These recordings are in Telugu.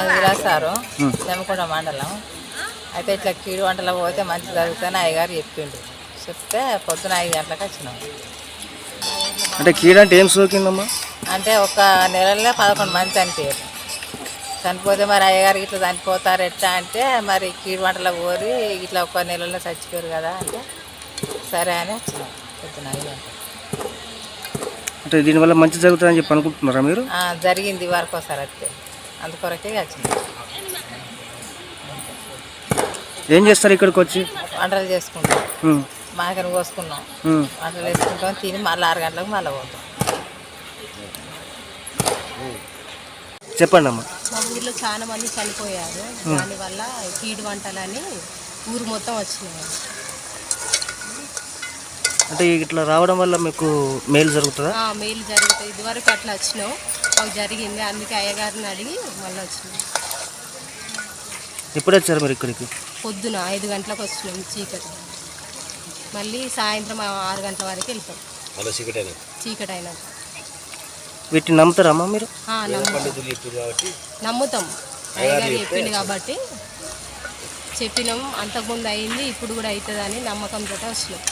విలాసారు జమకొండ మండలం. అయితే ఇట్లా కీడు వంటలకు పోతే మంచి జరుగుతుందని అయ్యగారు చెప్పిండు. చెప్తే పొద్దున 5 గంటలకు వచ్చినాం. అంటే కీడు అంటే ఏం సోకిందమ్మా? అంటే ఒక నెలలోనే 11 మంది చనిపోయారు. చనిపోతే మరి అయ్యగారికి ఇట్లా చనిపోతారు ఎట్లా అంటే మరి కీడు వంటలకు పోరి ఇట్లా ఒక నెలలో చచ్చిపోయారు కదా అంటే సరే అని వచ్చినాం పొద్దున 5 గంటలకు. అంటే దీనివల్ల మంచి జరుగుతుందని చెప్పి అనుకుంటున్నారా మీరు? జరిగింది వరకు ఒకసారి వస్తే అందుకొరకే వచ్చినాం. ఏం చేస్తారు ఇక్కడికి వచ్చి? వంటలు చేసుకుంటాం, మాకని కోసుకున్నాం, వంటలు వేసుకుంటాం, తిని మళ్ళీ 6 గంటలకు మళ్ళీ పోతాం. చెప్పండి అమ్మా. మా ఊర్లో చాలా మంది చనిపోయారు. దానివల్ల కీడు వంటలని ఊరు మొత్తం వచ్చినాయి. అంటే ఇట్లా రావడం వల్ల మీకు మేలు జరుగుతుందా? మేలు జరుగుతుంది. ఇదివరకు అట్లా వచ్చినాం, మాకు జరిగింది. అందుకే అయ్యగారిని అడిగి మళ్ళీ వచ్చినాం. ఎప్పుడు వచ్చారు మీరు ఇక్కడికి? పొద్దున 5 గంటలకు వచ్చినాం చీకటి. మళ్ళీ సాయంత్రం 6 గంటల వరకు వెళ్తాం చీకటి అయినాక. వీటిని నమ్ముతారమ్మా మీరు? నమ్ముతాం. అయ్యగారు చెప్పిండు కాబట్టి చెప్పినాం. అంతకుముందు అయింది, ఇప్పుడు కూడా అవుతుందని నమ్మకంతో వచ్చినాం.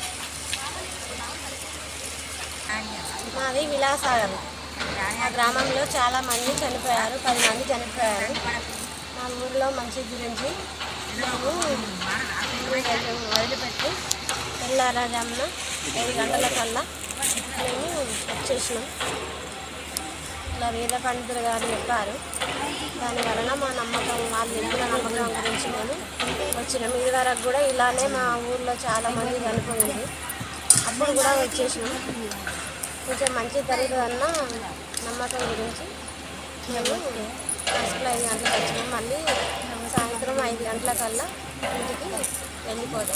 మాది విలాసాగరం. మా గ్రామంలో చాలా మంది చనిపోయారు, 10 మంది చనిపోయారు. మా ఊరిలో మంచి గురించి మేము వదిలిపెట్టి తెల్లారజామున 7 గంటలకల్లా మేము వచ్చేసినాం. ఇట్లా వేద పండితులు గారు చెప్పారు. దాని వలన మా నమ్మకం, వాళ్ళు చెప్పిన నమ్మకం గురించి మేము వచ్చినాం. ఇది వరకు కూడా ఇలానే మా ఊర్లో చాలా మంది చనిపోయింది. అప్పుడు కూడా వచ్చేసినాం. కొంచెం మంచి జరుగుతుందన్న నమ్మకం గురించి మేము ఫస్ట్లో 5 గంటలకు వచ్చినాం. మళ్ళీ సాయంత్రం 5 గంటలకల్లా ఇంటికి వెళ్ళిపోతాం.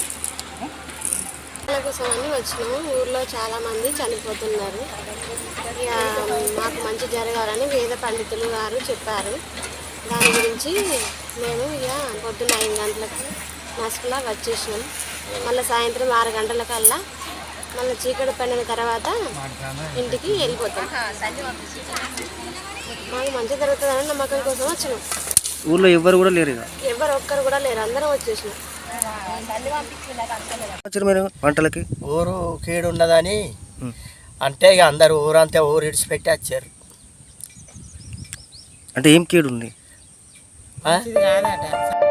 కోసమని వచ్చినాము. ఊర్లో చాలామంది చనిపోతున్నారు. ఇక మాకు మంచి జరగాలని వేద పండితులు గారు చెప్పారు. దాని గురించి మేము ఇక పొద్దున్న 5 గంటలకు మస్కులా వచ్చేసినాం. మళ్ళీ సాయంత్రం 6 గంటలకల్లా మళ్ళీ చీకటి పడిన తర్వాత ఇంటికి వెళ్ళిపోతాం. మాకు మంచి జరుగుతుందని నమ్మకం కోసం వచ్చినాం. ఊళ్ళో ఎవరు కూడా లేరు? ఎవరు ఒక్కరు కూడా లేరు, అందరం వచ్చేసినాం. మీరు వంటలకి ఊరు కీడు ఉన్నదని అంటే ఇక అందరు ఊరంతా ఊరు ఇడిచిపెట్టి వచ్చారు. అంటే ఏం కీడు ఉంది? కాదట.